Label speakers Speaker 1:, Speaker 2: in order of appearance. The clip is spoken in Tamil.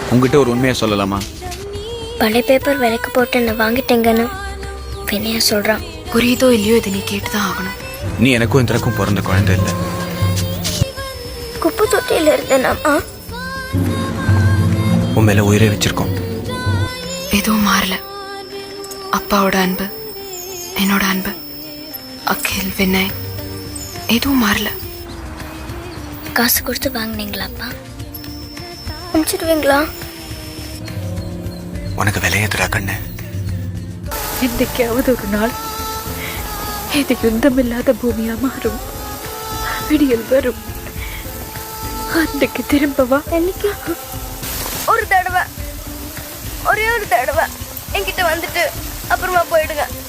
Speaker 1: உங்ககிட்ட ஒரு உண்மையை சொல்லலாமா?
Speaker 2: பழைய பேப்பர் விலைக்கு போட்டு நான் வாங்கிட்டேங்கன்னு வினயா சொல்கிறான்.
Speaker 3: புரியுதோ இல்லையோ இதை நீ கேட்டு தான் ஆகணும்.
Speaker 1: நீ எனக்கும் இந்தக்கும் பிறந்த குழந்தை இல்லை.
Speaker 2: குப்பை தொட்டியில் இருந்தேனாமா?
Speaker 1: உன் மேல உயிரை வச்சிருக்கோம்.
Speaker 3: எதுவும் மாறல. அப்பாவோட அன்பு, என்னோட அன்பு, அகில், வினய் எதுவும் மாறல.
Speaker 2: காசு கொடுத்து வாங்கினீங்களாப்பா? அனுப்பிச்சிடுவீங்களா?
Speaker 1: உனக்கு விலையேத்துறா கண்ணு.
Speaker 4: என்னைக்காவது ஒரு நாள் இது யுத்தமில்லாத பூமியா மாறும். விடியல் வரும். அன்னைக்கு திரும்பவா?
Speaker 2: என்னைக்கு? ஒரு தடவை, ஒரே ஒரு தடவை என்கிட்ட வந்துட்டு அப்புறமா போயிடுங்க.